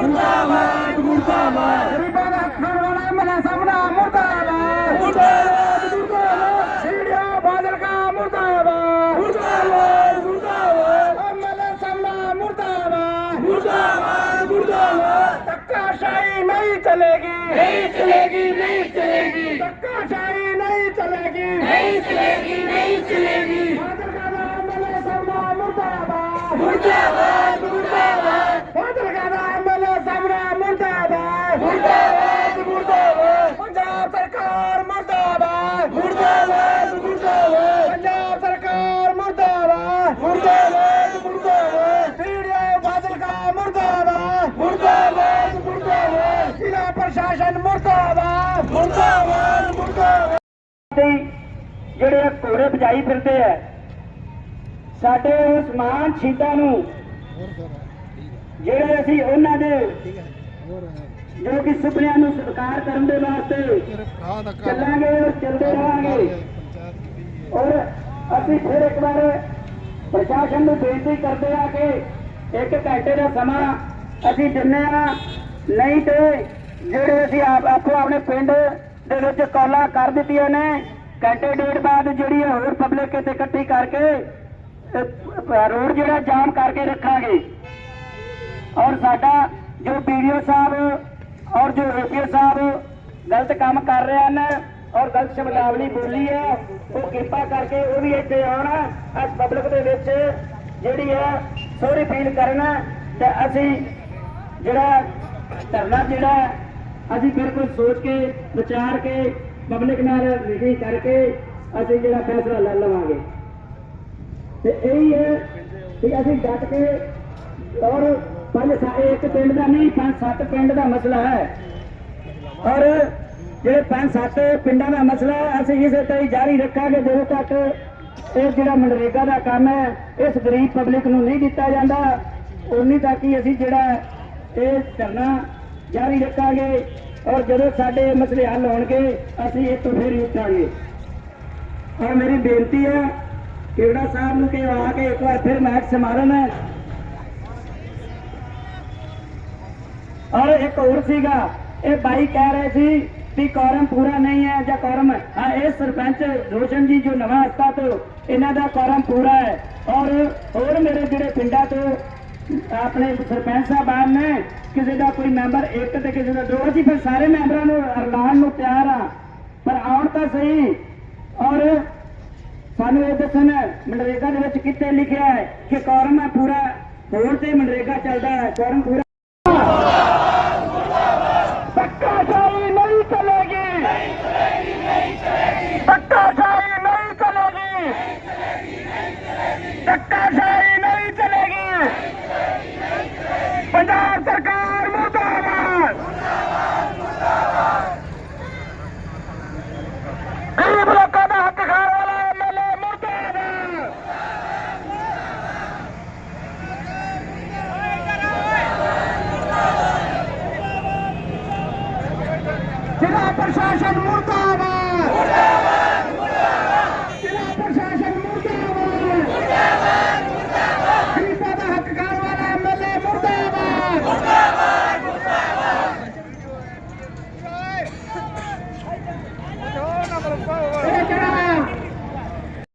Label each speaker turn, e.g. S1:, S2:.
S1: मुर्दाबाद मुर्दाबाद गरीबों का खाने वाला एमएलए सामना मुर्दाबाद मुर्दाबाद मुर्दाबाद सीढ़िया बादल का मुर्दाबाद मुर्दाबाद मुर्दाबाद एमएलए सामना मुर्दाबाद मुर्दाबाद मुर्दाबाद धक्काशाही नहीं चलेगी नहीं चलेगी नहीं चलेगी धक्काशाही नहीं चलेगी नहीं चलेगी नहीं चलेगी बादल का एमएलए सामना मुर्दाबाद मुर्दाबाद मुर्दाबाद बादल का एमएलए सामना मुर्दाबाद मुर्दाबाद मुर्दाबाद पंजाब सरकार मुर्दाबाद मुर्दाबाद मुर्दाबाद पंजाब सरकार मुर्दाबाद मुर्दाबाद मुर्दाबाद पीड़िया बादल का मुर्दाबाद मुर्दाबाद मुर्दाबाद जिला प्रशासन मुर्दाबाद मुर्दाबाद मुर्दाबाद ਜਿਹੜੇ ਘੋੜੇ ਭਜਾਈ ਫਿਰਦੇ ਆ ਸਾਡੇ ਉਸ ਮਾਨ ਸ਼ਹੀਦਾਂ ਨੂੰ ਜਿਹੜੇ ਅਸੀਂ ਉਹਨਾਂ ਦੇ ਜੋ ਕਿ ਸੁਪਨਿਆਂ ਨੂੰ ਸਾਕਾਰ ਕਰਨ ਦੇ ਵਾਸਤੇ ਚੱਲਾਂਗੇ ਔਰ ਚੱਲਦੇ ਰਹਾਂਗੇ ਔਰ ਅਸੀਂ ਫਿਰ ਇੱਕ ਵਾਰ ਪ੍ਰਸ਼ਾਸਨ ਨੂੰ ਬੇਨਤੀ ਕਰਦੇ ਆ ਕਿ 1 ਘੰਟੇ ਦਾ ਸਮਾਂ ਅਸੀਂ ਦਿੰਦੇ ਆ ਨਹੀਂ ਤੇ ਜਿਹੜੇ ਅਸੀਂ ਆਪੋ ਆਪਣੇ ਪਿੰਡ ਦੇ ਵਿੱਚ ਕਾਲਾਂ ਕਰ ਦਿੱਤੀਆਂ ਨੇ ਘੰਟੇ ਡੇਢ ਬਾਅਦ ਜਿਹੜੀ ਹੋਰ ਪਬਲਿਕ ਇੱਥੇ ਇਕੱਠੀ ਕਰਕੇ ਰੋਡ ਜਿਹੜਾ ਜਾਮ ਕਰਕੇ ਰੱਖਾਂਗੇ ਔਰ ਸਾਡਾ ਜੋ ਵੀਡੀਓ ਸਾਹਿਬ ਔਰ ਜੋ ਓਪੀਓ ਸਾਹਿਬ ਗਲਤ ਕੰਮ ਕਰ ਰਹੇ ਹਨ ਔਰ ਗਲਤ ਸ਼ਬਦਾਵਲੀ ਬੋਲੀ ਹੈ ਉਹ ਕਿਰਪਾ ਕਰਕੇ ਉਹ ਵੀ ਇੱਥੇ ਆਉਣ ਇਸ ਪਬਲਿਕ ਦੇ ਵਿੱਚ ਜਿਹੜੀ ਹੈ ਸੋਰੀ ਫੀਲ ਕਰਨਾ ਤੇ ਅਸੀਂ ਜਿਹੜਾ ਧਰਨਾ ਜਿਹੜਾ ਅਸੀਂ ਬਿਲਕੁਲ ਸੋਚ ਕੇ ਵਿਚਾਰ ਕੇ ਪਬਲਿਕ ਨਾਲ ਮੀਟਿੰਗ ਕਰਕੇ ਅਸੀਂ ਜਿਹੜਾ ਫੈਸਲਾ ਲੈ ਲਵਾਂਗੇ ਤੇ ਇਹੀ ਹੈ ਕਿ ਅਸੀਂ ਡਟ ਕੇ ਔਰ ਇੱਕ ਪਿੰਡ ਦਾ ਨਹੀਂ 5-7 ਪਿੰਡ ਦਾ ਮਸਲਾ ਹੈ ਔਰ ਜਿਹੜੇ 5-7 ਪਿੰਡਾਂ ਦਾ ਮਸਲਾ ਹੈ ਅਸੀਂ ਇਸੇ ਤਰ੍ਹਾਂ ਹੀ ਜਾਰੀ ਰੱਖਾਂਗੇ ਜਦੋਂ ਤੱਕ ਇਹ ਜਿਹੜਾ ਮਨਰੇਗਾ ਦਾ ਕੰਮ ਹੈ ਇਸ ਗਰੀਬ ਪਬਲਿਕ ਨੂੰ ਨਹੀਂ ਦਿੱਤਾ ਜਾਂਦਾ ਉਨੀ ਤੱਕ ਹੀ ਅਸੀਂ ਜਿਹੜਾ ਇਹ ਧਰਨਾ ਜਾਰੀ ਰੱਖਾਂਗੇ ਔਰ ਜਦੋਂ ਸਾਡੇ ਮਸਲੇ ਹੱਲ ਹੋਣਗੇ ਅਸੀਂ ਇਹ ਤੋਂ ਫਿਰ ਹੀ ਉੱਠਾਂਗੇ ਔਰ ਮੇਰੀ ਬੇਨਤੀ ਹੈ ਕਿਹੜਾ ਸਾਹਿਬ ਨੂੰ ਕਿ ਆ ਕੇ ਇੱਕ ਵਾਰ ਫਿਰ ਮੈਚ ਸਮਾਰਨ ਹੈ और एक और सीगा ये भाई कह रहे थे कि कोरम पूरा नहीं है या कोरम हाँ ये सरपंच रोशन जी जो नवा हस्ता तो इन्हों का कोरम पूरा है और मेरे जोड़े पिंडा तो अपने सरपंच साहबान ने किसी का कोई मैंबर एक तो किसी का दो अभी फिर सारे मैंबरों ऐलान को तैयार हाँ पर आउण तो सही और सानू ये दसन मनरेगा के कितने लिखा है कि कोरम है पूरा होर से मनरेगा चलता है कोरम पूरा धक्काशाही नहीं चलेगी धक्काशाही नहीं चलेगी धक्काशाही नहीं चलेगी पंजाब सरकार मुर्दाबाद गरीब लोगों का हक खाने वाला एमएलए मुर्दाबाद जिला प्रशासन मुर्दाबाद जिला प्रशासन मुर्दाबाद गरीबों का हक खाने वाला एमएलए मुर्दाबाद मुर्दाबाद